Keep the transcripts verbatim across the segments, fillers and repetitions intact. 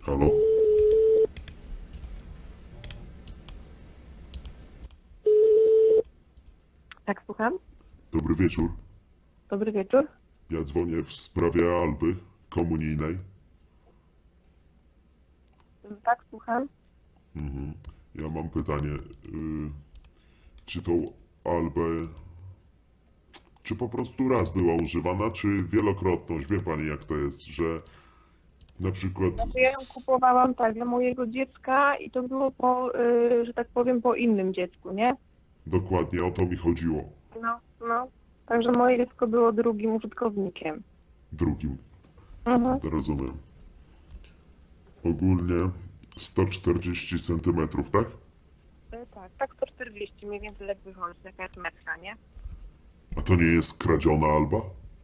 Halo? Tak, słucham. Dobry wieczór. Dobry wieczór. Ja dzwonię w sprawie Alby komunijnej. Tak, słucham. Mhm. Ja mam pytanie. y, Czy tą Albę... Czy po prostu raz była używana, czy wielokrotność? Wie pani jak to jest, że na przykład... Znaczy ja ją kupowałam tak dla mojego dziecka i to było po, y, że tak powiem, po innym dziecku, nie? Dokładnie o to mi chodziło. No, no. Także moje dziecko było drugim użytkownikiem. Drugim. Mhm. Rozumiem. Ogólnie sto czterdzieści centymetrów, tak? Y, Tak, tak sto czterdzieści mniej więcej jak wychodzi, taka jest metra, nie? A to nie jest kradziona Alba?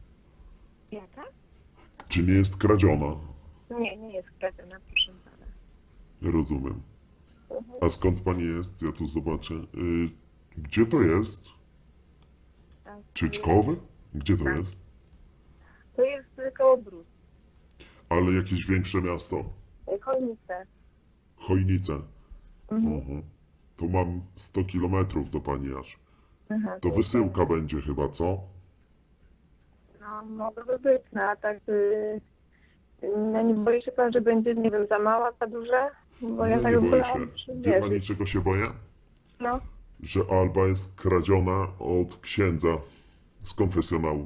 Jaka? Czy nie jest kradziona? Nie, nie jest kradziona, proszę pana. Rozumiem. A skąd pani jest? Ja tu zobaczę. Y, Gdzie to jest? Tak, Czyczkowy? Gdzie to Tak. jest? To jest y, koło Brus. Ale jakieś większe miasto. Y, Chojnice. Chojnice. Mhm. Mhm. To mam sto kilometrów do pani aż. Aha, To wysyłka będzie chyba, co? No, mogłoby być, no a tak... Y, no nie boi się pan, że będzie, nie wiem, za mała, za duża? Bo ja Nie, tak nie w boję ogóle się. mam Wie przymierzyć. pani czego się boję? No. Że Alba jest kradziona od księdza z konfesjonału.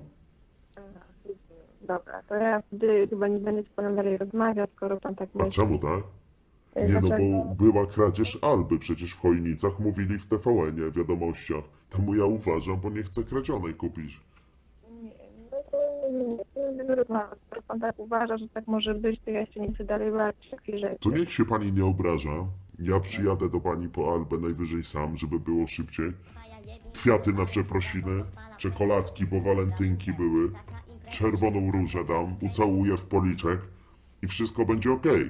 Dobra, to ja wtedy chyba nie będę z panem dalej rozmawiać, skoro pan tak A myśli. czemu tak? Y, Nie no, dlaczego? bo była kradzież Alby przecież w Chojnicach, mówili w T V N-ie, w wiadomościach. Temu ja uważam, bo nie chcę kradzionej kupić. Nie, no to nie, nie, nie będę rozmawiać. Skoro pan tak uważa, że tak może być, to ja się nie chcę dalej bawić w takie rzeczy. To niech się pani nie obraża. Ja przyjadę do pani po Albę najwyżej sam, żeby było szybciej. Kwiaty na przeprosiny, czekoladki, bo walentynki były. Czerwoną różę dam, ucałuję w policzek i wszystko będzie okej.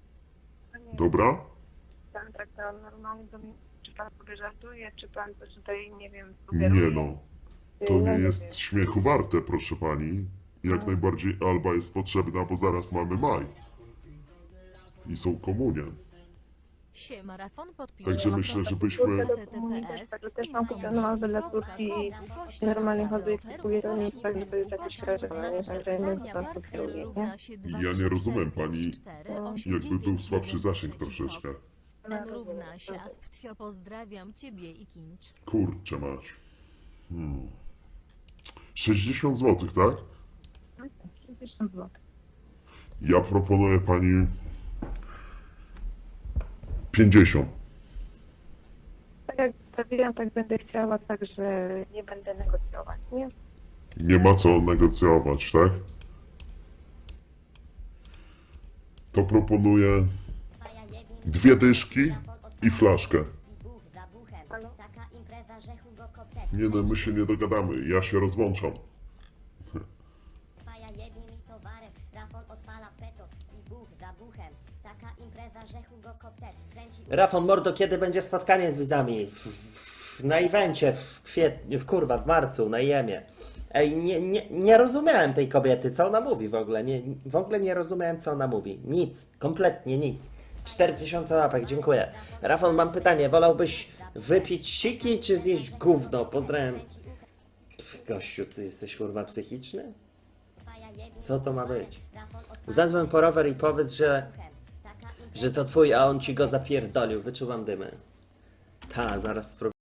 Dobra? Pan tak to normalnie do mnie, czy pan sobie żartuje, czy pan coś tutaj, nie wiem, Nie sugeruje? no, Y, to no nie wiem. jest śmiechu warte, proszę pani. Jak najbardziej Alba jest potrzebna, bo zaraz mamy maj. I są komunie. Siema, Rafon podpisz. Także myślę, żebyśmy... Kurde, do komunii też, także też mam kupioną Albę dla córki i normalnie chodzę i kupuję to nie tak, żeby już jakieś kradzione, nie? Także ja nie wiem, co pan tu kieruje, nie? Ja nie rozumiem pani, jakby był słabszy zasięg troszeczkę. N równa się, Asktwio, pozdrawiam ciebie i Kincz. Kurczę mać. Hmm. sześćdziesiąt złotych, tak? sześćdziesiąt złotych. Ja proponuję pani pięćdziesiąt. Tak jak stawiam, tak będę chciała, także nie będę negocjować, nie? Nie ma co negocjować, tak? To proponuję dwie dyszki i flaszkę. Nie no, my się nie dogadamy, ja się rozłączam. Faja jebnie mi towarem, Rafon odpala peto i buch za buchem. Taka impreza, że Hugo Kopter kręci... Rafon Mordo, kiedy będzie spotkanie z widzami? W, w, na evencie w kwietniu, w kurwa, w marcu, na Jemie. Ej, nie, nie, nie rozumiałem tej kobiety, co ona mówi w ogóle. Nie, w ogóle nie rozumiałem, co ona mówi. Nic, kompletnie nic. cztery tysiące łapek, dziękuję. Rafon, mam pytanie, wolałbyś wypić siki, czy zjeść gówno? Pozdrawiam. Pff, gościu, ty jesteś kurwa psychiczny? Co to ma być? Zadzwoń po rower i powiedz, że, że to twój, a on ci go zapierdolił. Wyczuwam dymy. Ta, zaraz spróbuję.